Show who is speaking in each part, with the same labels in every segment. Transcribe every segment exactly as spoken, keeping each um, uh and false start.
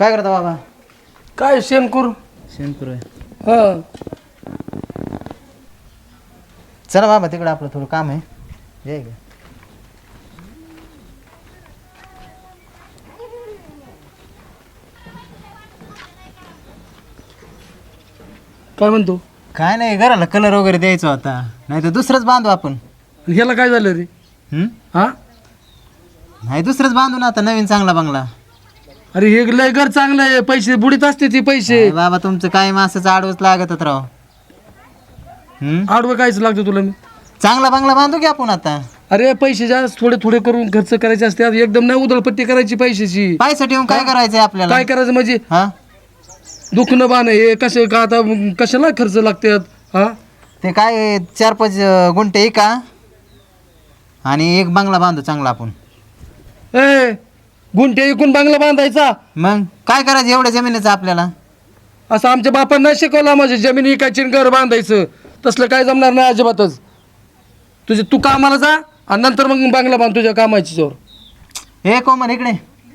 Speaker 1: काय करता बाबा?
Speaker 2: काय शेणकूर
Speaker 1: शेणपूर आहे.
Speaker 2: हा
Speaker 1: चला बाबा तिकडे आपलं थोडं काम आहे. ये इकडे.
Speaker 2: काय म्हणतो
Speaker 1: काय नाही, घराला कलर वगैरे द्यायचा होता, नाही तर दुसरंच बांधू आपण.
Speaker 2: ह्याला काय झालं रे?
Speaker 1: हम्म?
Speaker 2: हा
Speaker 1: नाही दुसरंच बांधू ना आता, नवीन चांगला बंगला.
Speaker 2: अरे हे लय घर चांगलं आहे, पैसे बुडीत असते ती पैसे.
Speaker 1: काय बाबा तुमचं काय मासच आडवच लागतच राव. हम्म?
Speaker 2: आडवं कायच लागतं तुला मी?
Speaker 1: चांगला बंगला बांधू की आपण आता.
Speaker 2: अरे पैसे जास्त थोडे थोडे करून खर्च करायचे असते, एकदम नाही उधळपट्टी करायची पैशाची.
Speaker 1: पैसा ठेवून काय करायचंय आपल्याला?
Speaker 2: काय करायचं म्हणजे
Speaker 1: हा
Speaker 2: दुखणं बाण हे कसे का आता कशाला खर्च लागतात हा?
Speaker 1: ते काय चार पाच अं, गुंठे का आणि एक बंगला बांधू चांगला आपण.
Speaker 2: ए गुंठे इकून बांगला बांधायचा?
Speaker 1: मग काय करायचं एवढ्या जमिनीचं आपल्याला?
Speaker 2: असं आमच्या बापांना शिकवलं, माझी जमीन इकायची घर बांधायचं, तसलं काय जमणार नाही अजिबातच. तुझे तू कामाला जा आणि नंतर मग बांगला बांध तुझ्या कामाची जोर.
Speaker 1: हे कोमल इकडे.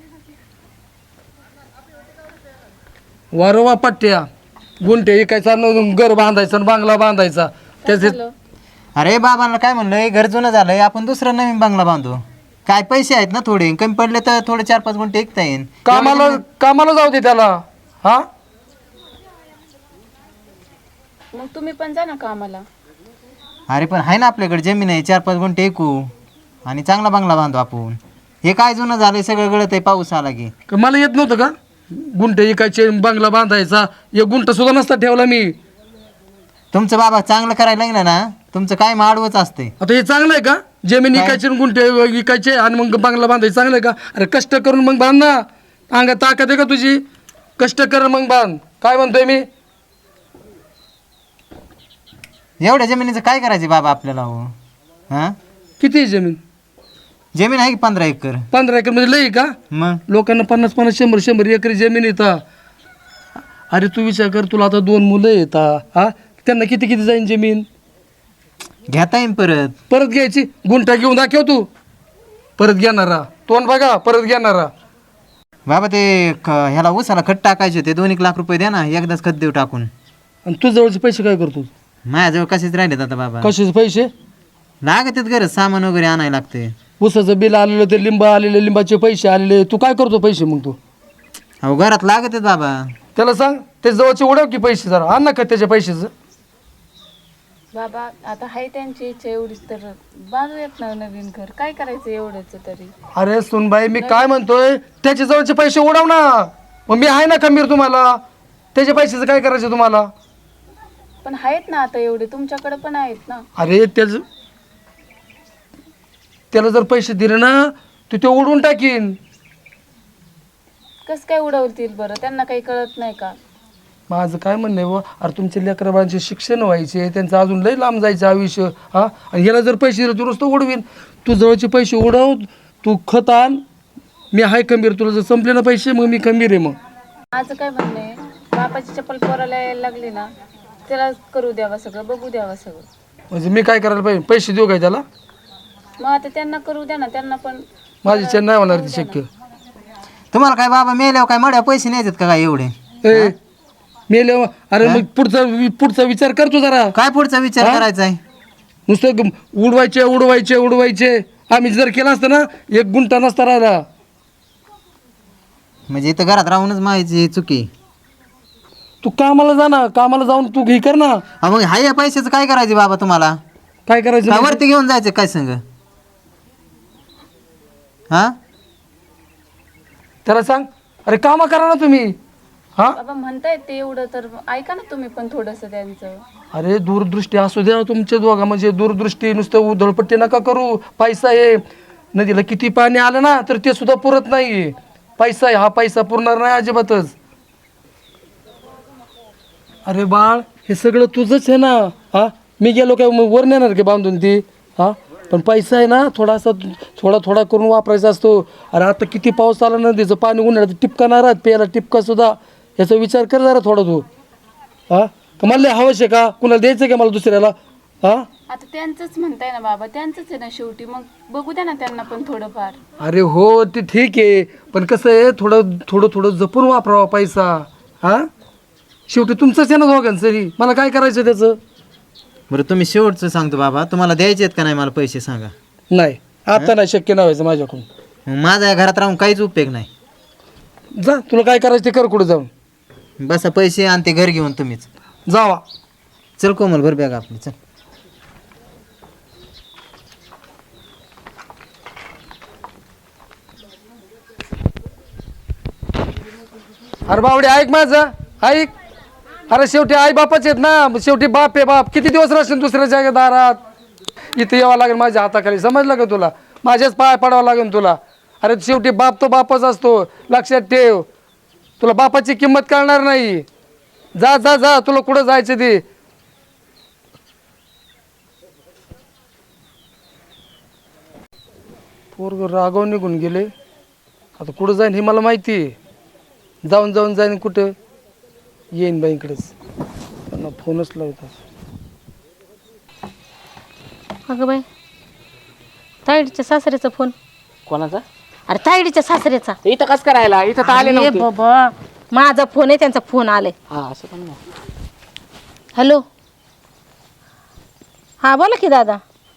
Speaker 2: वारवा पट्ट्या गुंठे इकायचा न घर बांधायचं आणि बांगला बांधायचा त्याचे.
Speaker 1: अरे बाबांना काय म्हणलं, घर जुनं झालंय, आपण दुसरं नवीन बंगला बांधू. काय पैसे आहेत ना थोडे, कमी पडले तर थोडे चार पाच गुंठे ऐकता येईल.
Speaker 2: कामाला कामाला जाऊ दे त्याला. हा
Speaker 3: मग तुम्ही पण जा ना कामाला.
Speaker 1: अरे पण आहे ना आपल्याकडे जमीन आहे, चार पाच गुंठे ऐकू आणि चांगला बंगला बांधू आपण. हे काय जुनं झालंय, सगळं गळत आहे पाऊस आला की.
Speaker 2: का मला येत नव्हतं का गुंठे इकायचे बांगला बांधायचा? एक गुंठा सुद्धा नसता ठेवला मी.
Speaker 1: तुमचं बाबा चांगलं करायला लागलं ना, तुमचं काय माडवच असते.
Speaker 2: आता हे चांगलं आहे का? जमीन इकायची आणि गुंठे इकायचे आणि मग बांगला बांधायचं चांगलं आहे का? अरे कष्ट करून मग बांध ना, अंगात ताकद आहे का तुझी? कष्ट कर मग बांध. काय म्हणतोय मी?
Speaker 1: एवढ्या जमिनीचं काय करायचं बाबा आपल्याला? हो हां,
Speaker 2: किती आहे जमीन?
Speaker 1: जमीन आहे की पंधरा एकर.
Speaker 2: पंधरा एकर म्हणजे लई आहे का?
Speaker 1: मग
Speaker 2: लोकांना पन्नास पन्नास शंभर शंभर एकर जमीन येतात. अरे तू विचार कर, तुला आता दोन मुलं येतात हा, त्यांना किती किती जाईन जमीन?
Speaker 1: घेता येईन परत.
Speaker 2: परत घ्यायची? गुंठा घेऊन दाखव तू. परत घेणारा तोंड बघा, परत घेणारा.
Speaker 1: बाबा ते क- ह्याला उसाला खत टाकायचे होते, दोन एक लाख रुपये द्या ना, एकदाच खत देऊ टाकून.
Speaker 2: आणि तुझ्या जवळचे पैसे काय करतो?
Speaker 1: माझ्याजवळ कसेच राहिलेत आता बाबा.
Speaker 2: कशाचे पैसे?
Speaker 1: लागतात गरज, सामान वगैरे आणायला लागते.
Speaker 2: उसाचं बिल आलेलं, ते लिंब आलेले, लिंबाचे पैसे आलेले, तू काय करतो पैसे मग? तू
Speaker 1: अहो घरात लागत आहेत बाबा.
Speaker 2: त्याला सांग ते जवळचे उडव की पैसे, जरा आण ना का त्याच्या पैशाचं.
Speaker 3: बाबा आता हाय त्यांची इच्छा एवढीच तर बांधूयात ना नवीन घर. काय करायचं एवढंच तरी?
Speaker 2: अरे सुनबाई मी काय म्हणतोय, त्याच्या जवळचे पैसे उडव ना. मग मी आहे ना खंबीर तुम्हाला. त्याच्या पैशाचं काय करायचं तुम्हाला?
Speaker 3: पण आहेत ना आता एवढे, तुमच्याकडे पण आहेत ना.
Speaker 2: अरे त्याच त्याला जर पैसे दिले ना, तू ते उडवून टाकीन.
Speaker 3: कस काय उडवतील बरं? त्यांना काही कळत नाही का?
Speaker 2: माझं काय म्हणणं आहे, अरे तुमच्या लेकराबाळांचे शिक्षण व्हायचे, त्यांचं अजून लई लांब जायचं आयुष्य हा. आणि याला जर पैसे दिले तू नुसतं उडवीन. तू जवळचे पैसे उडव, तू खत आण, मी हाय खंबीर. तुला जर संपले ना पैसे, मग मी खंबीर आहे. मग
Speaker 3: माझं काय म्हणणं आहे, बापाची चप्पल पोराला यायला लागली ना, त्याला करू द्यावा सगळं, बघू द्यावा सगळं.
Speaker 2: म्हणजे मी काय करायला पाहिजे? पैसे देऊ काय त्याला?
Speaker 3: मग आता त्यांना करू द्या ना, त्यांना पण.
Speaker 2: माझी इच्छा नाही होणार ती शक्य.
Speaker 1: तुम्हाला काय बाबा मेल्यावर काय मड्या पैसे न्यायचे का काय एवढे?
Speaker 2: ए मेले, अरे मग पुढचा पुढचा विचार कर तू जरा.
Speaker 1: काय पुढचा विचार करायचा आहे?
Speaker 2: नुसतं ग- उडवायचे उडवायचे उडवायचे. आम्ही जर केलं असतं ना, एक गुंठा नसता राहिला.
Speaker 1: म्हणजे इथं घरात राहूनच माहिती चुकी.
Speaker 2: तू कामाला जा ना, कामाला जाऊन तू घे कर ना.
Speaker 1: अहो मग हाय या पैशाचं काय करायचं बाबा तुम्हाला?
Speaker 2: काय करायचं
Speaker 1: काय
Speaker 2: म्हणजे?
Speaker 1: वरती घेऊन जायचं काय संग? हा
Speaker 2: त्याला सांग, अरे कामं करा ना तुम्ही हा.
Speaker 3: बाबा म्हणतायत ते एवढं, तर ऐका ना तुम्ही पण थोडंसं त्यांचं.
Speaker 2: अरे दूरदृष्टी असू द्या तुमच्या दोघा, म्हणजे दूरदृष्टी. नुसतं उधळपट्टी नका करू. पैसा आहे, नदीला किती पाणी आलं ना तर ते सुद्धा पुरत नाही. पैसा आहे, हा पैसा पुरणार नाही अजिबातच. अरे बाळ, हे सगळं तुझंच आहे ना हा. मी गेलो काय मग वर नेणार की बांधून ती हा? पण पैसा आहे ना, थोडासा थोडा थोडा करून वापरायचा असतो. अरे आता किती पाऊस आला, नदीचं पाणी उन्हाळ्यात टिपका राहत, प्यायला टिपका सुद्धा. याचा विचार कर जरा थोडा तू हा. का मला लय हवंच आहे का? कुणाला द्यायचं का मला दुसऱ्याला? हा
Speaker 3: आता त्यांचंच म्हणताय ना बाबा, त्यांचंच आहे ना शेवटी, मग बघू द्या ना त्यांना पण थोडंफार.
Speaker 2: अरे हो ते ठीक आहे, पण कसं आहे थोडं थोडं थोडं जपून वापरावा पैसा. हा शेवटी तुमचंच आहे ना दोघांचंही, मला काय करायचं त्याचं.
Speaker 1: बरं तुम्ही शेवटचं सांगतो बाबा, तुम्हाला द्यायचे आहेत का नाही मला पैसे सांगा.
Speaker 2: नाही आता नाही शक्य नाही व्हायचं माझ्याकडून.
Speaker 1: मग माझ्या या घरात राहून काहीच उपयोग नाही.
Speaker 2: जा तुला काय करायचं ते कर कुठं जाऊन.
Speaker 1: बसा पैसे आणि ते घर घेऊन तुम्हीच.
Speaker 2: जावा.
Speaker 1: चल कोमल भर बॅग आपली चल.
Speaker 2: अरे बावडे ऐक माझं ऐक. अरे शेवटी आई बापाच आहेत ना, शेवटी बाप आहे बाप. किती दिवस राहशील दुसऱ्याच्या दारात. इथे यावं लागेल माझ्या हाताखाली, समजलं का तुला. माझ्याच पाय पडावं लागेल तुला. अरे शेवटी बाप तो बापच असतो, लक्षात ठेव. तुला बापाची किंमत कळणार नाही. जा जा जा तुला कुठं जायचं ते. पोरग रागाव निघून गेले. आता कुठं जाईन हे मला माहिती आहे. जाऊन जाऊन जाईन कुठं येईन बाईकडेच. त्यांना फोनच लावतात.
Speaker 4: अगं बाई, तायडीच्या सासऱ्याचा फोन.
Speaker 5: कोणाचा?
Speaker 4: अरे तायडीच्या सासऱ्याचा.
Speaker 5: इथं कस करायला? इथं तर आले
Speaker 4: अरे
Speaker 5: नव्हते.
Speaker 4: बाबा, माझा फोन आहे, त्यांचा फोन आलाय.
Speaker 5: हा असं पण नाही.
Speaker 4: हॅलो, हा बोला की दादा.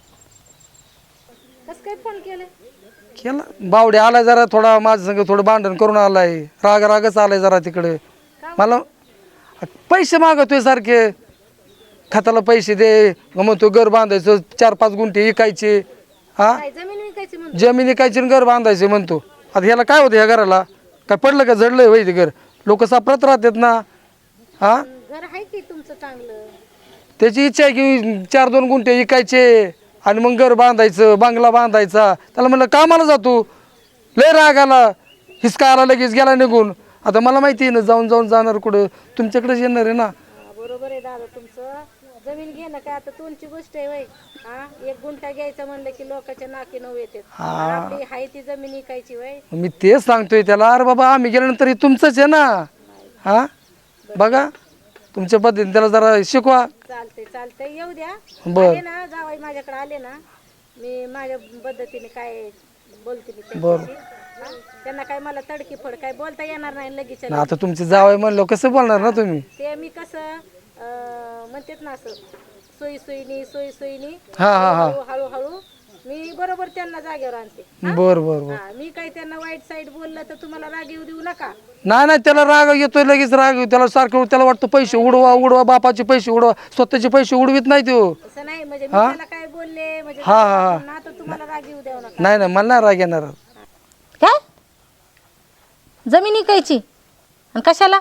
Speaker 2: केला बावडे आलाय जरा थोडा माझ्या संग थोडं भांडण करून आलाय. राग रागच आलाय जरा तिकडे. मला पैसे मागतोय सारखे. खताला पैसे दे म्हणतो, घर बांधायचं चार पाच गुंठे विकायचे. हा जमीन विकायची आणि घर बांधायचे म्हणतो. आता ह्याला काय होतं ह्या घराला? काय पडलं का जडलंय वय ते घर? लोक सापडत राहतात ना. हा
Speaker 4: घर आहे की तुमचं चांगलं.
Speaker 2: त्याची इच्छा आहे की चार दोन गुंठे विकायचे आणि मग घर बांधायचं, बंगला बांधायचा. त्याला म्हणलं कामाला जातो. लय राग आला, हिसका आला, लगेच गेला निघून. आता मला माहिती आहे ना जाऊन जाऊन जाणार कुठं, तुमच्याकडेच येणार आहे ना.
Speaker 6: बरोबर आहे दादा तुमचं. जमीन घेणं काय आता तुमची गोष्ट आहे वय. हा एक गुंठा घ्यायचं म्हणलं की लोकांच्या नाकी नऊ येतात. आपली हाय ती जमीन विकायची वय.
Speaker 2: मी तेच सांगतोय त्याला. अरे बाबा आम्ही गेल्यानंतर हे तुमचंच आहे ना. हा बघा तुमच्या पद्धतीने त्याला जरा शिकवा.
Speaker 6: चालतंय चालतंय येऊ द्या.
Speaker 2: बर.
Speaker 6: आले ना जावाई माझ्याकडे आले ना, मी माझ्या पद्धतीने काय बोलते मी त्यांच्याशी. हा? त्यांना काय मला तडकी फड काय बोलता येणार नाही लगेच.
Speaker 2: ना आता तुमचे जावई म्हणलं कसं बोलणार ना तुम्ही.
Speaker 6: ते मी कसं अं, म्हणतात ना असं सोयी सोयीनी सोयी सोयीनी
Speaker 2: हा हा हा
Speaker 6: हळू हळू मी बरोबर त्यांना जागेवर आणते.
Speaker 2: बर बर बर.
Speaker 6: हा, मी काही त्यांना वाईट साईड बोललं तर तुम्हाला राग येऊ देऊ नका.
Speaker 2: नाही नाही त्याला राग येतोय लगेच राग येतो त्याला. सारखं त्याला वाटतं पैसे उडवा उडवा, बापाचे पैसे उडवा, स्वतःचे पैसे उडवीत नाही तो.
Speaker 6: असं नाही म्हणजे मी त्याला काय बोलले म्हणजे
Speaker 2: हा हा हा
Speaker 6: ना तर तुम्हाला राग येऊ देऊ नका.
Speaker 2: नाही नाही मला नाही राग येणार.
Speaker 4: काय जमीन विकायची आणि कशाला?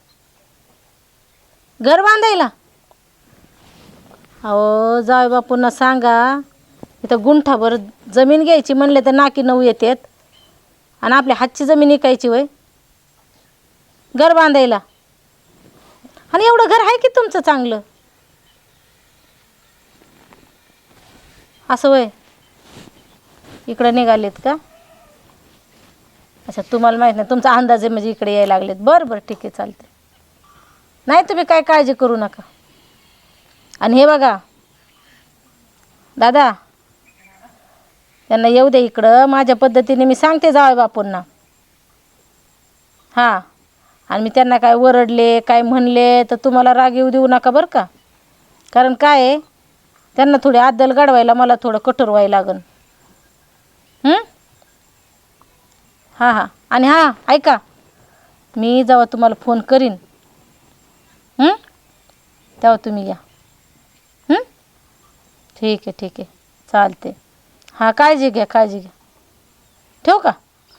Speaker 4: घर बांधायला? अहो जाय बापूंना सांगा, इथं गुंठाभर जमीन घ्यायची म्हणले तर नाकी नऊ येतात. आणि आपल्या हातची जमीन विकायची वय घर बांधायला. आणि एवढं घर आहे की तुमचं चांगलं. असं वय इकडं निघालेत का? अच्छा तुम्हाला माहीत नाही, तुमचा अंदाज आहे म्हणजे इकडे यायला लागलेत. बरं बरं ठीक आहे चालते. नाही तुम्ही काय काळजी करू नका. आणि हे बघा दादा, त्यांना येऊ दे इकडं. माझ्या पद्धतीने मी सांगते जावई बापूंना. हां आणि मी त्यांना काय ओरडले काय म्हणले तर तुम्हाला राग येऊ देऊ नका बरं का. कारण काय आहे, त्यांना थोडी अद्दल घडवायला मला थोडं कठोर व्हायला लागन. हां हां आणि हां ऐका, मी जेव्हा तुम्हाला फोन करीन तेव्हा तुम्ही या. ठीक आहे ठीक आहे चालते. हां काळजी घ्या काळजी घ्या. ठेवू का?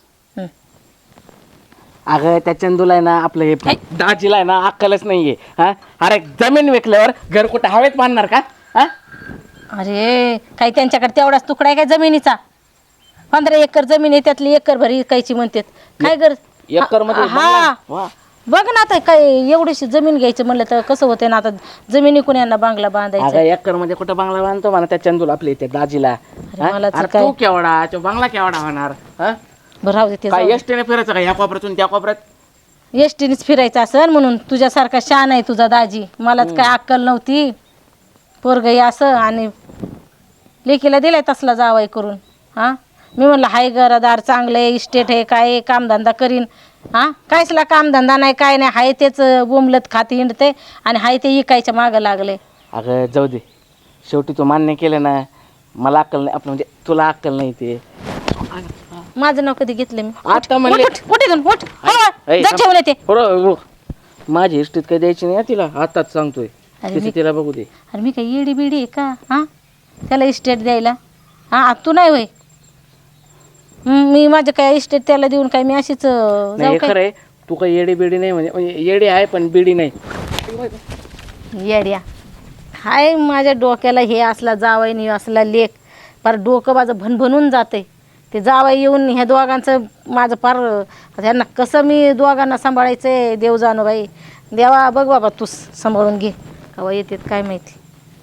Speaker 5: अगं त्या चंदूला आहे ना आपलं हे दाजीला आहे ना अक्कलच नाहीये. हा अरे जमीन विकल्यावर घर कुठं हवेत बांधणार का? हा
Speaker 4: अरे काही त्यांच्याकडे तेवढाच तुकडा आहे काय जमिनीचा? पंधरा एकर जमीन आहे त्यातली एकर भरी विकायची म्हणतात. काय कर
Speaker 5: एकर मध्ये
Speaker 4: हा
Speaker 5: वा.
Speaker 4: बघ ना आता काय एवढीशी जमीन घ्यायचं म्हणलं तर कसं होते ना. आता जमिनी कोण यांना बांगला बांधायचा?
Speaker 5: अगं एकर मध्ये कुठं बांगला बांधतो म्हणा त्या चंदूला आपल्या इथे दाजीला. हा?
Speaker 4: मला तर
Speaker 5: अरे
Speaker 4: काय-
Speaker 5: तू केवढा तो बांगला केवढा होणार? हा
Speaker 4: बरं राहू दे ते
Speaker 5: काय एसटीने फिरायचं का ह्या कोपऱ्यातून त्या कोपऱ्यात?
Speaker 4: एस टीनेच फिरायचं असेल म्हणून. तुझ्यासारखा शान आहे तुझा दाजी. मलाच काय अक्कल नव्हती. पोरगही असं आणि लेकीला दिलाय तसला जावाई करून. हां मी म्हणलं हाय घरदार चांगलं आहे, इस्टेट आहे, काय आहे, कामधंदा करीन. हां कायसला कामधंदा नाही काय नाही, हाय तेच बोंबलत खाते हिंडते आणि हाय ते इकायच्या मागं लागले.
Speaker 5: अगं जाऊ दे, शेवटी तू मान्य केलं ना, मला अक्कल नाही, आपलं म्हणजे तुला अक्कल नाही ते.
Speaker 4: माझं नाव कधी घेतलं मी?
Speaker 5: आता म्हणले
Speaker 4: कुठे जाऊन उठ
Speaker 5: ऐ,
Speaker 4: जा ठेवलं ते.
Speaker 5: बरोबर बरोबर. माझी इष्टीत काही द्यायची नाही हं तिला, आताच सांगतोय.
Speaker 4: अरे
Speaker 5: तिचं
Speaker 4: मी-
Speaker 5: तिला बघू दे.
Speaker 4: अरे मी काय येडी बिडी आहे का? हां त्याला इस्टेट द्यायला? हां तू नाही होय. हं, मी माझं काय इस्टेट त्याला देऊन काय मी अशीच अं,
Speaker 5: नाही
Speaker 4: जाऊ
Speaker 5: हे
Speaker 4: काय?
Speaker 5: खरं आहे, तू काही येडी बिडी नाही, म्हणजे म्हणजे येडी आहे पण बिडी नाही.
Speaker 4: येड्या हाय माझ्या डोक्याला हे असला जावाई नाही असला लेख पार डोकं माझं भनभनून जाते. ते जावाई येऊन ह्या दोघांचं माझं पार ह्यांना कसं मी दोघांना सांभाळायचं आहे देव जाणू बाई. देवा बघ बाबा तू सांभाळून घे. कवा येतात काय माहिती.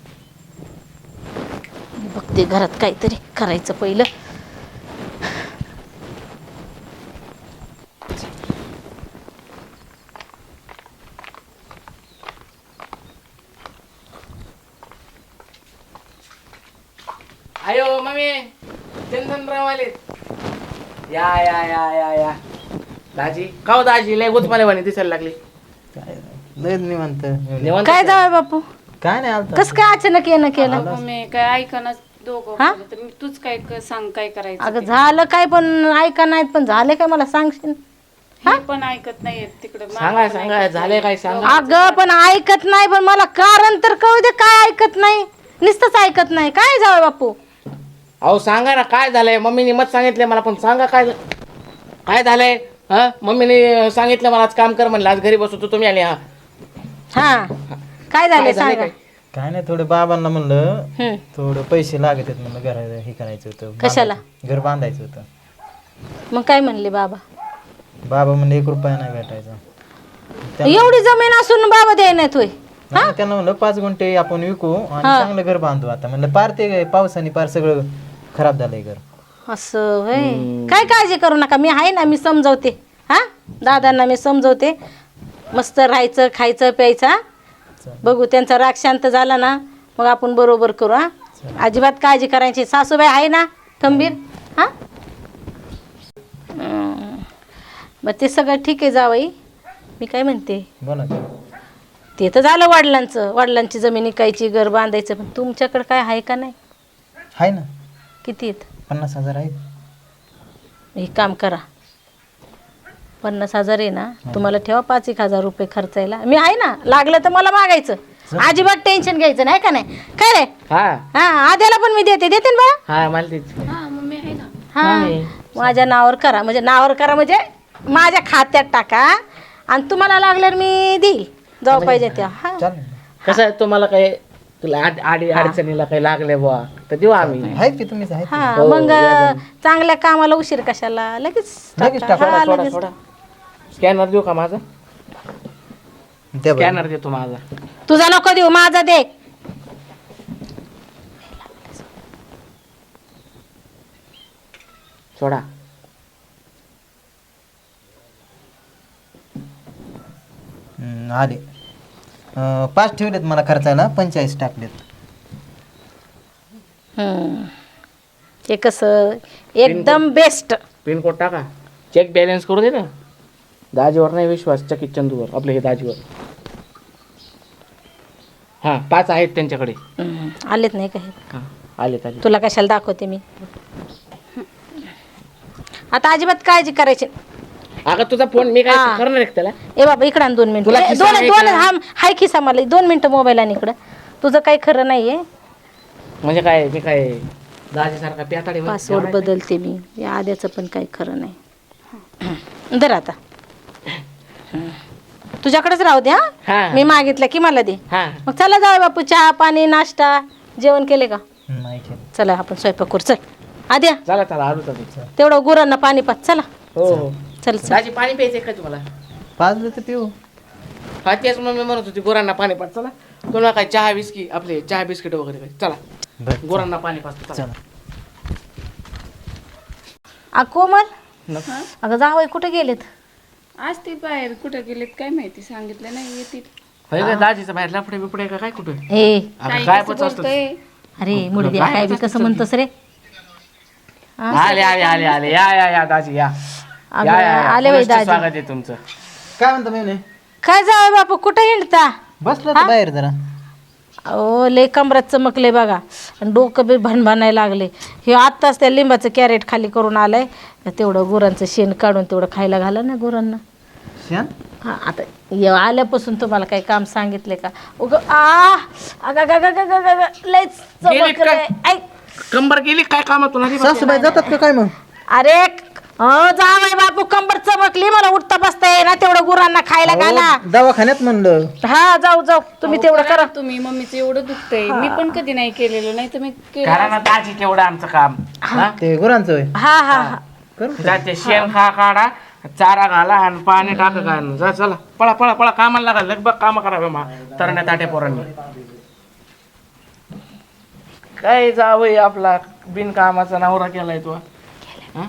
Speaker 4: मी बघते घरात काहीतरी करायचं पहिलं.
Speaker 5: आयो मम्मी, चंदनराव आले. या या या या या दाजी, का हो दाजी लय गुतमालेवाणी दिसायला लागली.
Speaker 1: काय लय निवांत.
Speaker 5: निवांत
Speaker 4: काय जावं बापू
Speaker 1: काय नाही आलता.
Speaker 4: कस काय अचानक येणं केलं?
Speaker 3: अगं मी काय ऐकणार दोघं
Speaker 4: हा?
Speaker 3: बोलत, तर मी तूच काय क- सांग काय करायचं
Speaker 4: अगं
Speaker 3: ते.
Speaker 4: झालं काय पण ऐका नाहीत पण झाले काय मला सांगशील?
Speaker 3: हे पण ऐकत नाहीये तिकडे
Speaker 5: सांगा सांगा झाले काय सांगा.
Speaker 4: अगं पण ऐकत नाही पण मला कारण तर कळू दे काय ऐकत नाही. नुसतंच ऐकत नाही काय जावं बापू?
Speaker 5: अहो सांगा ना काय झालंय. मम्मीने मत सांगितले मला, पण सांगा काय झा- काय झालंय. हा मम्मीने सांगितलं मला आज काम कर म्हणलं, आज घरी बसतो तुम्ही आले. हा
Speaker 4: हा काय झालं
Speaker 5: काय झालंय
Speaker 4: सांगा.
Speaker 5: काय?
Speaker 1: काय नाही थोडं बाबांना म्हणलं
Speaker 4: हम्म.
Speaker 1: थोडं पैसे लागत आहेत म्हणलं, घर हे करायचं होतं.
Speaker 4: कशाला?
Speaker 1: बांधायचं- घर बांधायचं होतं.
Speaker 4: मग काय म्हणले बाबा?
Speaker 1: बाबा म्हणले एक रुपया नाही भेटायचा. त्या-
Speaker 4: एवढी जमीन असून बाबा द्याय नाहीत होय?
Speaker 1: नाही, त्यांना म्हणलं पाच गुंठे आपण विकू आणि चांगलं घर बांधू. आता म्हणलं पार ते पावसाने पार सगळं खराब झालंय घर.
Speaker 4: असं होय. काय काळजी करू नका मी आहे ना, मी समजवते. हा दादांना मी समजवते. मस्त राहायचं खायचं प्यायचं. हा? बघू त्यांचा राग शांत झाला ना मग आपण बरोबर करू. हा अजिबात काळजी करायची. सासूबाई आहे ना खंबीर? हा हं. मग ते सगळं ठीक आहे जावई. मी काय म्हणते
Speaker 1: बोला की.
Speaker 4: ते तर झालं वडिलांचं, वडिलांची जमीन विकायची घर बांधायचं. पण तुमच्याकडे काय आहे का नाही?
Speaker 1: आहे ना
Speaker 4: किती आहेत?
Speaker 1: पन्नास हजार आहेत.
Speaker 4: एक काम करा, पन्नास हजार आहे ना तुम्हाला ठेवा पाच एक हजार रुपये खर्चायला. मी आहे ना, लागलं तर मला मागायचं. अजिबात टेन्शन घ्यायचं नाही का नाही काय रे?
Speaker 5: हा
Speaker 4: हा आद्याला पण मी देते देते ना बा.
Speaker 5: हा मला तेच.
Speaker 3: हा मम्मी आहे ना.
Speaker 4: हा माझ्या नावावर करा, म्हणजे नावावर करा म्हणजे माझ्या खात्यात टाका आणि तुम्हाला लागल्यावर मी देईल जाऊ पाहिजे त्या. हा
Speaker 1: चालेल.
Speaker 5: कसं आहे तुम्हाला काय तुला आड- आडी अडचणीला काही लागले बुवा तर देऊ आम्ही.
Speaker 1: आहेत की तुम्हीच आहेत.
Speaker 4: हा मग चांगल्या कामाला उशीर कशाला, लगेच
Speaker 1: लगेच
Speaker 4: टाका.
Speaker 1: टाका.
Speaker 4: हा,
Speaker 5: सोडा
Speaker 4: लगेच.
Speaker 5: सोडा. स्कॅनर देऊ का माझा?
Speaker 1: द्या बरं.
Speaker 5: स्कॅनर देतो माझा.
Speaker 4: तुझा नको देऊ माझा दे.
Speaker 5: सोडा.
Speaker 1: हम्म, आले. अं, पाच ठेवलेत मला खर्चायला, पंचेचाळीस टाकलेत.
Speaker 4: हम्म. हे कसं एकदम बेस्ट.
Speaker 5: पिन कोड टाका. चेक बॅलन्स करू दे ना. दाजीवर नाही विश्वास, चकित चंदूवर आपले हे दाजीवर. हा पाच आहेत त्यांच्याकडे.
Speaker 4: हम्म. आलेत नाही काही.
Speaker 5: हा आले आले.
Speaker 4: तुला कशाला दाखवते मी. आता अजिबात काळजी करायची.
Speaker 5: अगं तुझा फोन मी काय
Speaker 4: हा.
Speaker 5: करणार आहे का त्याला?
Speaker 4: ए बाबा इकडं आण दोन मिनिटं.
Speaker 5: तुला
Speaker 4: ए,
Speaker 5: खिसा
Speaker 4: दोन
Speaker 5: आहे
Speaker 4: दोन
Speaker 5: का?
Speaker 4: हा हाय खिसा मला दोन मिनिटं मोबाईल आणि इकडं. तुझं काही खरं नाहीये.
Speaker 5: म्हणजे काय मी काय दाजीसारखा प्याताडे
Speaker 4: पासवर्ड बदलते मी. या आद्याचं पण काही खरं नाही. दर आता तुझ्याकडेच राहू दे. हा
Speaker 5: हा
Speaker 4: मी मागितलं की मला दे.
Speaker 5: हा
Speaker 4: मग चला जाऊ बापू, चहा पाणी नाश्ता जेवण केले का?
Speaker 1: नाही केलं.
Speaker 4: चला आपण स्वयंपाक करू. चल आद्या
Speaker 5: चला चला आलो तर.
Speaker 4: तेवढं गुरांना पाणी पाच. चला
Speaker 5: हो हो.
Speaker 4: चल चल.
Speaker 5: दाजी पाणी प्यायचंय का तुम्हाला?
Speaker 1: पाच लिटर पिऊ.
Speaker 5: हा तेच मग मी म्हणत होती गुरांना पाणी पाच. चला तुला काय चहा बिस्की आपले चहा बिस्किट वगैरे काय. चला
Speaker 1: बरं
Speaker 5: गुरांना पाणी पाच. चला.
Speaker 1: चला.
Speaker 4: आ कोमल
Speaker 5: नको.
Speaker 4: अगं जावई कुठे गेलेत?
Speaker 3: आज ते बाहेर कुठं गेलेत काय माहिती, सांगितलं नाही येतील.
Speaker 5: होय का दाजीचं बाहेर लफडे बिपडे का काय कुठे
Speaker 4: ए
Speaker 3: काय
Speaker 5: काय
Speaker 3: कसं
Speaker 5: पच असतं
Speaker 3: बोलतोय?
Speaker 4: अरे मुडद्या काय बी कसं म्हणतोस रे
Speaker 5: आले आले आले आले या या या दाजी या
Speaker 4: अगं,
Speaker 5: या, या, या.
Speaker 4: आले बाई
Speaker 5: पुनश्च
Speaker 4: दाजी.
Speaker 5: स्वागत आहे तुमचं.
Speaker 1: काय म्हणता मेवणे
Speaker 4: काय जावं बापू कुठं हिंडता
Speaker 1: बसलो होतो बाहेर जरा.
Speaker 4: अहो लय कमरात चमकले बघा आणि डोकं बी भणभणायला लागले हे आत्ताच त्या लिंबाचं कॅरेट खाली करून आलंय तेवढं गुरांचं शेण काढून तेवढं खायला घाला ना गुरांना
Speaker 1: शेण
Speaker 4: हा आता ये आल्यापासून तुम्हाला काही काम सांगितले का उग आ अगं, अगं, अगं, अगं, अगं, अगं, लयच
Speaker 5: गेली
Speaker 4: चमकलंय.
Speaker 5: काय?
Speaker 4: ऐक
Speaker 5: कंबर गेली काय कामातून आली बा?
Speaker 1: सासूबाई जातात का काय मग?
Speaker 4: अरे हो जावय बापू कंबर चमकली मला उठता बसता येईना तेवढं गुरांना खायला घाला
Speaker 1: अहो, दवाखान्यात म्हणलं.
Speaker 4: हा जाऊ जाऊ तुम्ही तेवढं करा
Speaker 3: तुम्ही मम्मीचं एवढं दुखतंय मी पण कधी नाही केलेलं नाही तर मी केलं
Speaker 5: करा ना दाजी तेवढं आमचं काम हा?
Speaker 1: ते गुरांचं होय.
Speaker 4: हा हा हा
Speaker 1: करू.
Speaker 5: जा ते शेण खा काढा चारा घाला आणि पाणी टाका का जा चला पळा पळा पळा कामाला लागा लगभग काम करावे मा तरण्या ताट्या पोरांनी काय जावय आपला बिनकामाचा नवरा केलाय तो हा?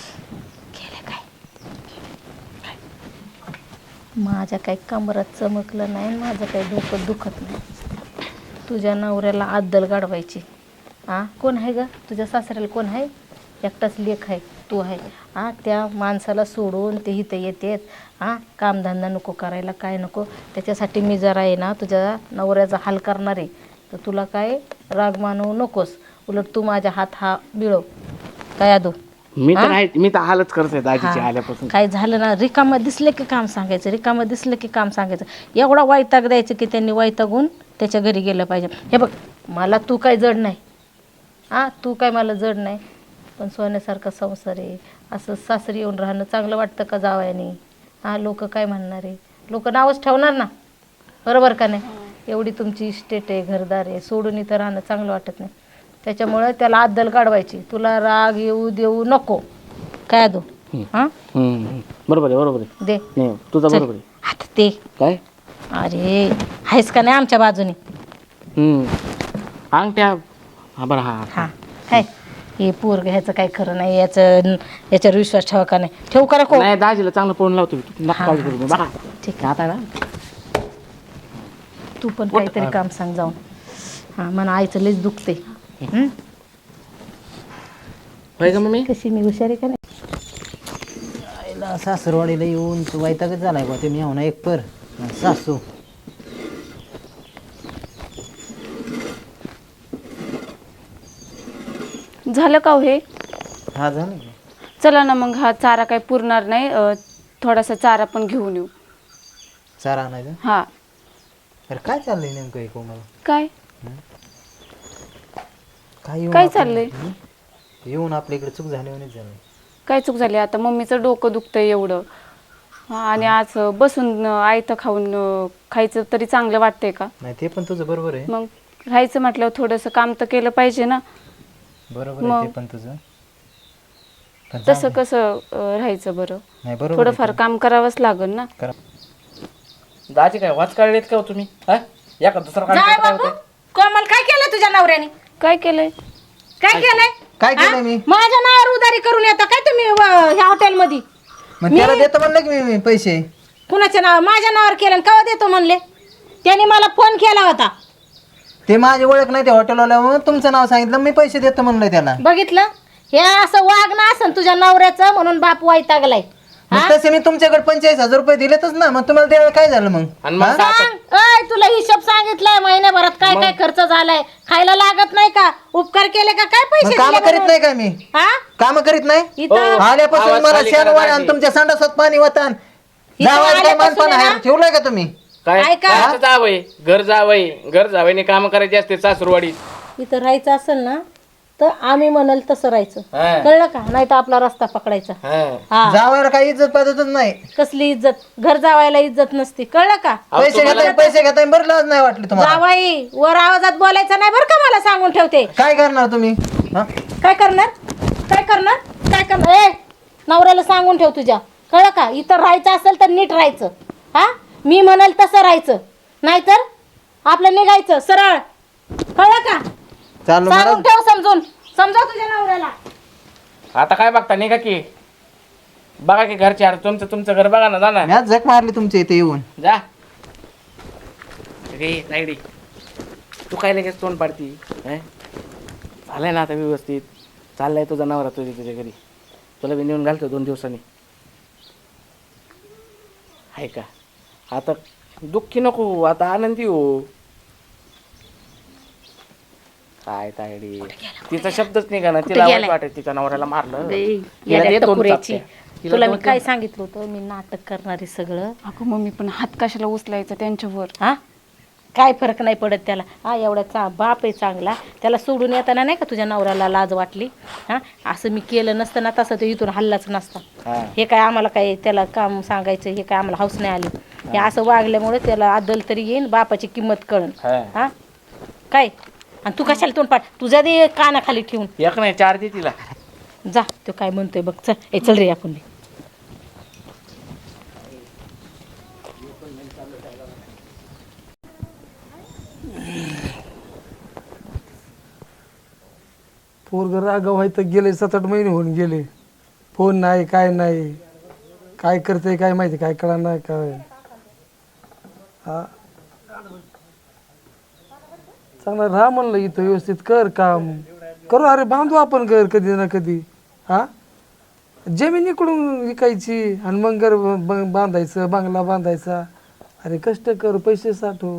Speaker 4: माझ्या काही कमरात चमकलं नाही माझं काही डोकं दुखत नाही तुझ्या नवऱ्याला अद्दल गाडवायची हां कोण आहे ग तुझ्या सासऱ्याला कोण आहे एकटाच लेख आहे तू आहे हां त्या माणसाला सोडून ते इथं येतेत हां कामधंदा नको करायला काय नको त्याच्यासाठी मी जरा आहे ना तुझ्या नवऱ्याचा हाल करणार आहे तर तुला काय राग मानवू नकोस उलट तू माझ्या हात हा बिळव काय आदू
Speaker 5: मी तर आहे मी तर हालच करतोय दाजीची
Speaker 4: हा.
Speaker 5: आल्यापासून
Speaker 4: काय झालं ना रिकामं दिसलं की काम सांगायचं रिकामं दिसलं की काम सांगायचं एवढा वैताग द्यायचं की त्यांनी वैतागून त्याच्या घरी गेलं पाहिजे हे बघ मला तू काय जड नाही हां तू काय मला जड नाही पण सोन्यासारखा संसार आहे असं सासरी येऊन राहणं चांगलं वाटतं का जावयानी हां लोक काय म्हणणार आहे लोक नावच ठेवणार ना बरोबर का नाही एवढी तुमची इस्टेट आहे घरदार आहे सोडून इथं राहणं चांगलं वाटत नाही त्याच्यामुळे त्याला अद्दल काढवायची तुला राग येऊ देऊ नको काय दो हां
Speaker 5: हम्म. बरोबर आहे बरोबर आहे
Speaker 4: दे
Speaker 5: नाही तुझं बरोबर आहे
Speaker 4: आता ते
Speaker 5: काय
Speaker 4: अरे आहेस का नाही आमच्या बाजूने
Speaker 5: हम्म अंगठ्या हा बरं हा
Speaker 4: हां काय हे पोरग ह्याचं काय खरं नाही याचं याच्यावर विश्वास ठेवा का नाही ठेवू का नको
Speaker 5: नाही दाजीला चांगलं पळून लावतो मी. तू नका
Speaker 4: हा,
Speaker 5: काळजी करू नका. बघा
Speaker 4: ठीक आहे
Speaker 5: आता ना
Speaker 4: तू पण काहीतरी काम सांग जाऊन हां मला आईचं लईच दुखते हं?
Speaker 5: होय का मम्मी
Speaker 4: कशी मी हुशारी का नाही
Speaker 1: आईला सासरवाडीला येऊन तू वैतागच झालाय बा ते मी हो ना एक पर आणि सासू
Speaker 3: झालं का हो हे
Speaker 1: हा झालं की.
Speaker 3: चला ना मग हा चारा काही पुरणार नाही अं, थोडासा चारा पण घेऊन येऊ
Speaker 1: चारा आणायचा.
Speaker 3: हा
Speaker 1: अरे काय चाललंय नेमकं हे कोमल
Speaker 3: काय
Speaker 1: काय येऊन
Speaker 3: काय
Speaker 1: आपल्या-
Speaker 3: चाललंय?
Speaker 1: हं? येऊन आपल्या इकडे चूक झाली म्हणून झालं
Speaker 3: काय चूक झाली आता मम्मीचं डोकं दुखतंय एवढं हा, आणि आज बसून अं, आयतं खाऊन अं, खायचं तरी चांगलं वाटतंय का
Speaker 1: नाही ते पण तुझं बरोबर आहे
Speaker 3: मग राहायचं म्हटल्यावर थोडंसं काम तर केलं पाहिजे ना
Speaker 1: बरोबर आहे
Speaker 3: मग.
Speaker 1: ते पण तुझं पण जा-
Speaker 3: तसं कसं अं, राहायचं बरं
Speaker 1: नाही बरोबर आहे
Speaker 3: थोडंफार काम करावंच लागेल ना
Speaker 1: करा.
Speaker 5: दाजी काय वाच काढलेत का हो तुम्ही हा या का दुसरा
Speaker 4: जाय
Speaker 5: काढ
Speaker 4: बापू कोमल काय केलं तुझ्या नवऱ्याने
Speaker 3: काय केलंय
Speaker 4: काय केलंय
Speaker 1: काय केलं
Speaker 4: हा?
Speaker 1: मी
Speaker 4: माझ्या नावावर उधारी करून येता काय तुम्ही व- ह्या हॉटेलमध्ये
Speaker 1: मग त्याला देतो म्हणलं की मी मी पैसे
Speaker 4: कुणाच्या नाव माझ्या नावावर केलं आणि केव्हा देतो म्हणले त्याने मला फोन केला होता
Speaker 1: ते माझी ओळख नाही ते हॉटेलवाल्या म्हणून तुमचं नाव सांगितलं मी पैसे देतो म्हणलं त्याला
Speaker 4: बघितलं हे असं वागणं असं तुझ्या नवऱ्याचं म्हणून बाप वैतागलाय
Speaker 1: मग तसे मी तुमच्याकडे पंचेचाळीस हजार रुपये दिलेतच ना मग तुम्हाला द्यायला काय झालं मग
Speaker 5: आणि मग आता-
Speaker 4: सांग अय तुला हिशोब सांगितलाय महिन्याभरात काय काय खर्च झालाय खायला लागत नाही का उपकार केले का काय पैसे
Speaker 1: काम
Speaker 4: दिले
Speaker 1: करीत
Speaker 4: म्हणून?
Speaker 1: नाही का मी
Speaker 4: हा
Speaker 1: काम करीत नाही
Speaker 4: इथं
Speaker 1: आल्यापासून
Speaker 5: आवाज
Speaker 1: मला
Speaker 5: खाली
Speaker 1: शेण
Speaker 5: करा
Speaker 1: वाढ
Speaker 5: दाजी.
Speaker 1: आणि तुमच्या संडासात पाणी वातान
Speaker 4: इथं
Speaker 1: जावायला काय
Speaker 4: आल्यापासून
Speaker 1: मानपान
Speaker 4: आहे
Speaker 1: आहे
Speaker 4: ना?
Speaker 1: ठेवलंय का तुम्ही
Speaker 5: काय
Speaker 4: ऐका.
Speaker 5: काय जावय घर जावय घर जावयने काम करायचे असते सासरवाडी
Speaker 4: इथं राहायचं असेल ना तर आम्ही म्हणाल तसं राहायचं
Speaker 5: हा.
Speaker 4: कळलं का नाही तर आपला रस्ता पकडायचा
Speaker 5: हा.
Speaker 4: हा
Speaker 1: जावायला काही इज्जत पाहतच नाही
Speaker 4: कसली इज्जत घर जावायला इज्जत नसती कळलं का
Speaker 5: अहो,
Speaker 1: पैसे
Speaker 5: तुम्हाला-
Speaker 1: घेताय पैसे घेताय बरं लाज नाही वाटली तुम्हाला
Speaker 4: जावाई वर आवाजात बोलायचं नाही बरं का मला सांगून ठेवते
Speaker 1: काय करणार तुम्ही हा?
Speaker 4: काय करणार काय करणार काय करणार ए नवऱ्याला सांगून ठेव तुझ्या कळलं का इथं राहायचं असेल तर नीट राहायचं हा मी म्हणाल तसं राहायचं नाहीतर आपलं निघायचं सरळ कळलं का
Speaker 1: चालू
Speaker 4: सांगून
Speaker 1: महाराज
Speaker 4: ठेव समजून समजा तुझ्या नवऱ्याला
Speaker 5: आता काय बघता निघा की बघा की घरचे अरे तुमचं तुमचं घर बघा ना जा ना
Speaker 1: मी आज झक मारली तुमच्या इथे येऊन
Speaker 5: जा गे तायडी तू काय लगेच तोंड पाडती हं? झालंय ना आता व्यवस्थित चाललाय तुझा नवरा तुझ्या तुझ्या घरी तुला बी नेऊन घालतो दोन दिवसांनी आहे का आता दुःखी नको आता आनंदी हो काय तायडी तिचा शब्दच निघा ना तिला वाईट वाटत तिच्या नवऱ्याला मारलं तिला
Speaker 4: येड्या
Speaker 5: दे दोन
Speaker 4: टकुऱ्याची.
Speaker 5: चापट्या. तिला
Speaker 4: तुला मी
Speaker 5: दोन-
Speaker 4: काय सांगितलं होतं मी नाटक करणारे सगळं
Speaker 3: अगं मम्मी पण हात कशाला उचलायचा त्यांच्यावर
Speaker 4: हा काय फरक नाही पडत त्याला हा एवढा चा बाप आहे चांगला त्याला सोडून येताना नाही का तुझ्या नवऱ्याला लाज वाटली हा असं मी केलं नसतं ना तसं तो इथून हल्लाच नसता
Speaker 5: हा.
Speaker 4: हे काय आम्हाला काय त्याला काम सांगायचं हे काय आम्हाला हौस नाही आली हे असं वागल्यामुळे त्याला अद्दल तरी येईन बापाची किंमत कळन
Speaker 5: हा.
Speaker 4: हा काय आणि तू कशाला तोंड पाठ तुझ्या दे कानाखाली ठेवून
Speaker 5: एक नाही चार दे तिला
Speaker 4: जा तो काय म्हणतोय बघ चल ए चल रे आपण
Speaker 2: पोरग रागाव आहे तर गेले सात आठ महिने होऊन गेले फोन नाही काय नाही काय करते काय माहिती काय कळा नाही काय हा चांगला राहा म्हणलं इथं व्यवस्थित कर काम करू अरे बांधू आपण घर कधी ना कधी हा जमीन इकडून विकायची आणि मग घर ब- ब- बांधायचं बांगला बांधायचा अरे कष्ट कर पैसे साठव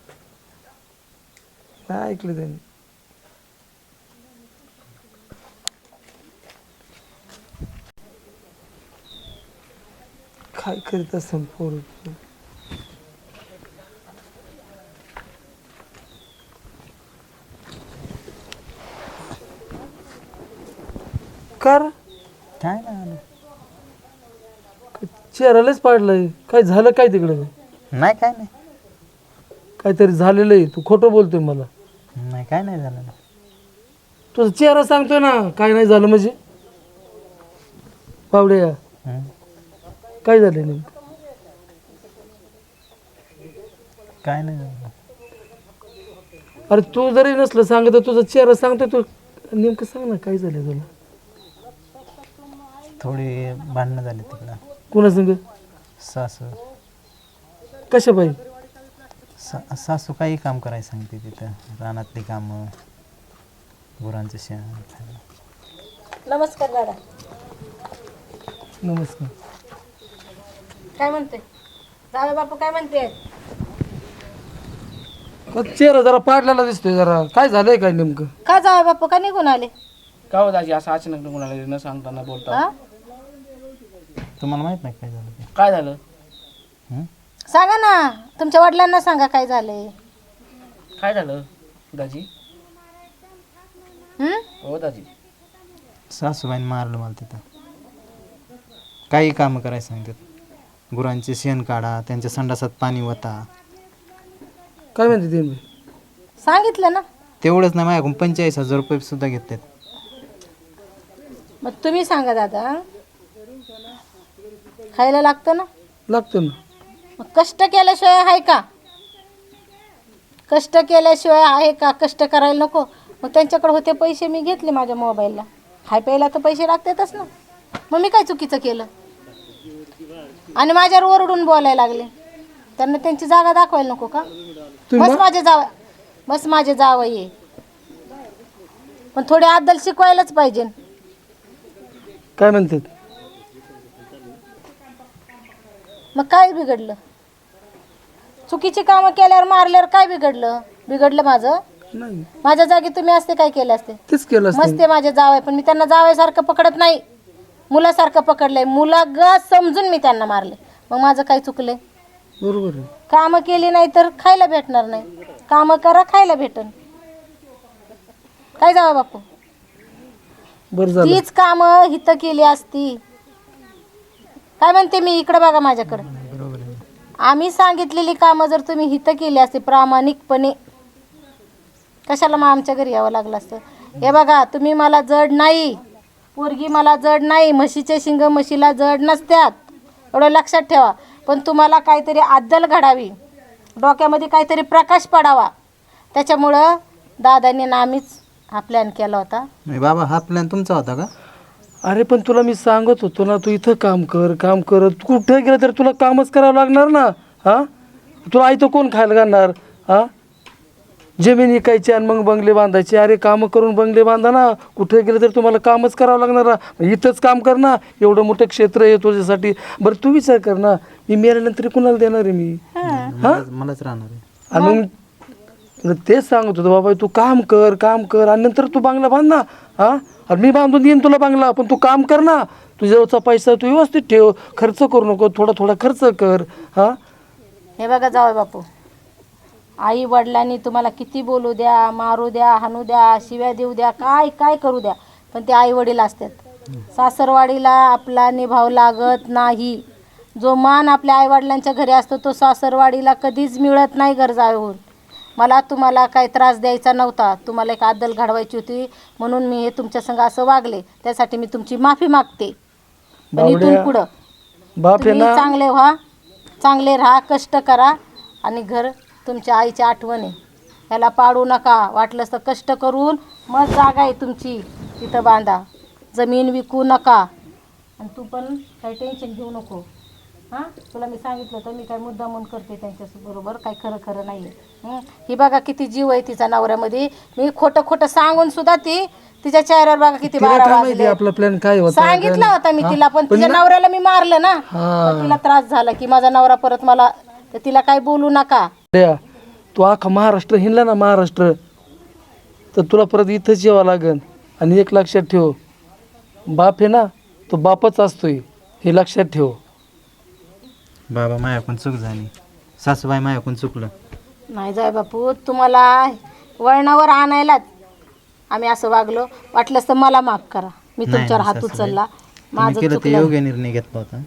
Speaker 2: नाही ऐकलं त्यांनी काय करीत असेल पोर कर
Speaker 1: काय नाही
Speaker 2: चेहऱ्यालाच पाडलंय काय झालं काय तिकडे
Speaker 1: नाही काय नाही
Speaker 2: काहीतरी झालेलं आहे तू खोटं बोलतोय मला
Speaker 1: नाही काय नाही झालं
Speaker 2: तुझा चेहरा सांगतोय ना काय नाही झालं म्हणजे बावड्या
Speaker 1: हं.
Speaker 2: काय झालं नेमकं
Speaker 1: काय नाही झालं
Speaker 2: अरे तू जरी नसलं सांगत तर तुझा चेहरा सांगतोय तू नेमकं सांग ना काय झालं तुला
Speaker 1: थोडी भांडणं झाली तिकडं
Speaker 2: कुणा संग
Speaker 1: सासू
Speaker 2: कशा पाहिजे
Speaker 1: सा सासू काही काम करायला सांगते तिथं रानातली कामं गुरांचं शेण खायला.
Speaker 4: नमस्कार दादा
Speaker 2: नमस्कार
Speaker 4: काय म्हणते जावे बापू काय म्हणते
Speaker 2: का चेहरा जरा पाडलेला दिसतोय जरा काय झालंय काय नेमकं
Speaker 4: का जावे बापू का निघून आले
Speaker 5: का हो दाजी असं अचानक निघून आले न सांगताना बोलता
Speaker 4: हा
Speaker 1: तुम्हाला माहित नाही काय झालं ते
Speaker 5: काय झालं
Speaker 1: हं?
Speaker 4: सांगा ना तुमच्या वडिलांना सांगा काय झालंय
Speaker 5: काय झालं दाजी
Speaker 4: हं?
Speaker 5: हो दाजी
Speaker 1: सासूबाईने मारलं मला तिथं काही कामं करायला सांगतात गुरांचे शेण काढा त्यांच्या संडासात पाणी वता
Speaker 2: काय म्हणते ते
Speaker 4: सांगितलं ना
Speaker 1: तेवढंच नाही माझ्याकडून पंचेचाळीस हजार रुपये सुद्धा घेतात
Speaker 4: मग तुम्ही सांगा दादा खायला लागतं ना
Speaker 2: लागतं ना
Speaker 4: मग कष्ट केल्याशिवाय आहे का कष्ट केल्याशिवाय आहे का कष्ट करायला नको मग त्यांच्याकडे होते पैसे मी घेतले माझ्या मोबाईलला खाय प्यायला तर पैसे लागतातच ना मग मी काय चुकीचं केलं आणि माझ्यावर ओरडून बोलायला लागले त्यांना त्यांची जागा दाखवायला नको का बस माझे जावा बस माझे जावं ये पण थोडी अद्दल शिकवायलाच पाहिजे
Speaker 2: काय म्हणतात
Speaker 4: मग काय बिघडलं चुकीची कामं केल्यावर मारल्यावर काय बिघडलं बिघडलं माझं
Speaker 2: नाही
Speaker 4: माझ्या जागी तुम्ही असते काय केले असते
Speaker 2: तेच केलं असतं
Speaker 4: मस्ते माझे जावय पण मी त्यांना जावयासारखं पकडत नाही मुलासारखं पकडलंय मुलाग समजून मी त्यांना मारले मग माझं काय चुकलंय
Speaker 2: बरोबर आहे
Speaker 4: कामं केली नाही तर खायला भेटणार नाही कामं करा खायला भेटन काय जावं बापू
Speaker 2: बरं झालं
Speaker 4: तीच कामं हिथं केली असती काय म्हणते मी इकडं बघा माझ्याकडं
Speaker 1: बरोबर आहे
Speaker 4: आम्ही सांगितलेली कामं जर तुम्ही हिथं केली असते प्रामाणिकपणे कशाला मग आमच्या घरी यावं लागलं असतं हे बघा तुम्ही मला जड नाही पोरगी मला जड नाही म्हशीचे शिंग म्हशीला जड नसत्यात एवढं लक्षात ठेवा पण तुम्हाला काहीतरी अद्दल घडावी डोक्यामध्ये काहीतरी प्रकाश पडावा त्याच्यामुळं दादांनी ना आम्हीच हा प्लॅन केला होता
Speaker 1: म्हणजे बाबा हा प्लॅन तुमचा होता का
Speaker 2: अरे पण तुला मी सांगत होतो ना तू इथं काम कर काम कर तू कुठं गेलं तर तुला कामच करावं लागणार ना हा तुला आई तर कोण खायला घालणार हा जमीन विकायची आणि मग बंगले बांधायचे. अरे कामं करून बंगले बांधा ना, कुठे गेलं तर तुम्हाला कामच करावं लागणार ना. इथंच काम कर ना, एवढं मोठं क्षेत्र आहे तुझ्यासाठी. बरं तू विचार कर ना, मी मेल्यानंतर कुणाला देणार आहे मी?
Speaker 1: मलाच मलाच राहणार आहे.
Speaker 2: आणि मग तुला तेच सांगत होतो बाबा, तू काम कर काम कर आणि नंतर तू बांगला बांध ना. हा आणि मी बांधून देईन तुला बांगला, पण तू काम कर ना. तुझ्यावरचा पैसा तू व्यवस्थित ठेव, खर्च करू नको, थोडा थोडा खर्च कर. हा
Speaker 6: हे बघा जावई बापू, आई वडिलांनी तुम्हाला किती बोलू द्या, मारू द्या, हाणू द्या, शिव्या देऊ द्या, काय काय करू द्या, पण ते आई वडील असतात. सासरवाडीला आपला निभाव लागत नाही. जो मान आपल्या आईवडिलांच्या घरी असतो तो सासरवाडीला कधीच मिळत नाही घर जाऊन. मला तुम्हाला काही त्रास द्यायचा नव्हता, तुम्हाला एक आदल घडवायची होती म्हणून मी हे तुमच्या संग असं वागले. त्यासाठी मी तुमची माफी मागते. पण इथून
Speaker 2: बावड्या,
Speaker 6: पुढं
Speaker 2: बाप आहे
Speaker 6: तुम्ही
Speaker 2: ना,
Speaker 6: चांगले व्हा, चांगले राहा, कष्ट करा आणि घर तुमच्या आईची आठवण आहे ह्याला पाडू नका. वाटलंच तर कष्ट करून मग जागा आहे तुमची तिथं बांधा, जमीन विकू नका. आणि तू पण काही टेन्शन घेऊ नको. हां तुला मी सांगितलं तर मी काय मुद्दा म्हणून करते त्यांच्याबरोबर, काही खरं खरं नाही आहे. ही बघा किती जीव आहे तिचा नवऱ्यामध्ये. मी खोटं खोटं सांगून सुद्धा ती तिच्या चेहऱ्यावर बघा किती
Speaker 2: तिला
Speaker 6: बारा
Speaker 2: काय माहिती
Speaker 6: वाजले.
Speaker 2: आपला प्लॅन काय होता.
Speaker 6: सांगितलं होता मी तिला, पण तिच्या नवऱ्याला मी मारलं ना, तर तिला त्रास झाला की माझा नवरा परत मला, तर तिला काय बोलू नका.
Speaker 2: द्या. तू अख्खा महाराष्ट्र हिंडला ना, महाराष्ट्र, तर तुला परत इथंच यावं लागेल. आणि एक लक्षात ठेव, बाप आहे ना तो बापच असतोय, हे लक्षात ठेव.
Speaker 1: बाबा माझ्याकडून चूक झाली, सासूबाई माझ्याकडून चुकलं.
Speaker 6: नाही जाय बापू, तुम्हाला वळणावर आणायलाच आम्ही असं वागलो. वाटलंच तर मला माफ करा, मी
Speaker 1: नाही,
Speaker 6: तुमच्यावर
Speaker 1: नाही,
Speaker 6: हात
Speaker 1: सासूबाई.
Speaker 6: उचलला,
Speaker 1: तुम्ही
Speaker 6: माझं
Speaker 1: केलं ते
Speaker 6: चुकलं.
Speaker 1: योग्य निर्णय घेतला होता.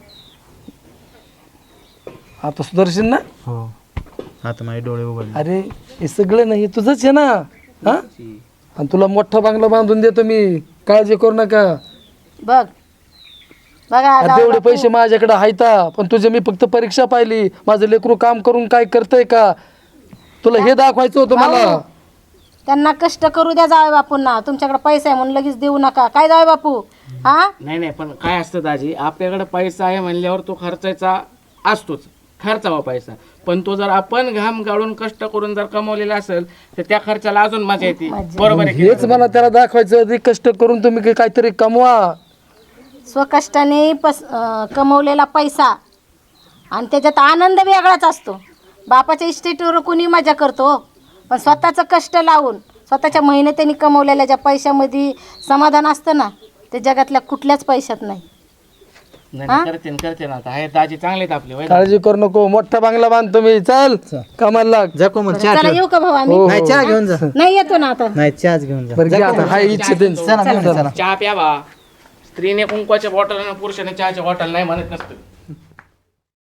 Speaker 2: आता सुदर्शन ना,
Speaker 1: हो आता माझे डोळे उघडले.
Speaker 2: अरे हे सगळं नाही तुझंच आहे ना. हा आणि तुला मोठा बांगला बांधून देतो मी, काळजी करू नका.
Speaker 6: बघ बघा
Speaker 2: अरे
Speaker 6: जावई
Speaker 2: तेवढे
Speaker 6: बापू,
Speaker 2: पैसे माझ्याकडे आहेत, पण तुझे मी फक्त परीक्षा पाहिली. माझं लेकरू काम करून काय करतंय का, तुला हे दाखवायचं होतं मला.
Speaker 6: भाऊ, त्यांना कष्ट करू द्या जावई बापूंना. तुमच्याकडे पैसा आहे म्हणून लगेच देऊ नका. काय जावई बापू? हा
Speaker 5: नाही नाही, पण काय असतं दाजी, आपल्याकडे पैसा आहे म्हणल्यावर तो खर्चायचा असतोच, खर्चावा पैसा. पण तो जर आपण घाम गाळून कष्ट करून जर कमवलेला असेल तर त्या खर्चाला अजून मजा येते. बरोबर आहे की
Speaker 2: हेच मला त्याला दाखवायचं, ते कष्ट करून तुम्ही काहीतरी कमवा.
Speaker 6: स्वकष्टाने पस अं, कमवलेला पैसा आणि त्याच्यात आनंद वेगळाच असतो. बापाच्या इस्टेटवर कोणी मजा करतो, पण स्वतःचं कष्ट लावून स्वतःच्या मेहनतीने कमवलेल्या ज्या पैशामध्ये समाधान असतं ना, ते जगातल्या कुठल्याच पैशात नाही.
Speaker 5: नाही नाही, करते ना, करते ना. आता हे दाजी चांगले आहेत आपले, होय ना?
Speaker 2: काळजी करू नको, मोठा बांगला बांधतो मी. चल कामाला लाग.
Speaker 1: जा कोमल, चहा
Speaker 6: चला
Speaker 1: ठेव.
Speaker 6: येऊ का भाऊ आम्ही?
Speaker 2: हो,
Speaker 1: नाही चहा घेऊन जा.
Speaker 6: नाही येतो ना आता.
Speaker 1: नाही चहाच घेऊन जा.
Speaker 2: बरं घे आता, हाय इच्छा त्यांची.
Speaker 1: चला घेऊन जा, चला.
Speaker 5: चहा प्यावा. स्त्रीने कुंकवाच्या बॉटल आणि पुरुषाने चहाच्या बॉटल नाही म्हणत नसतं.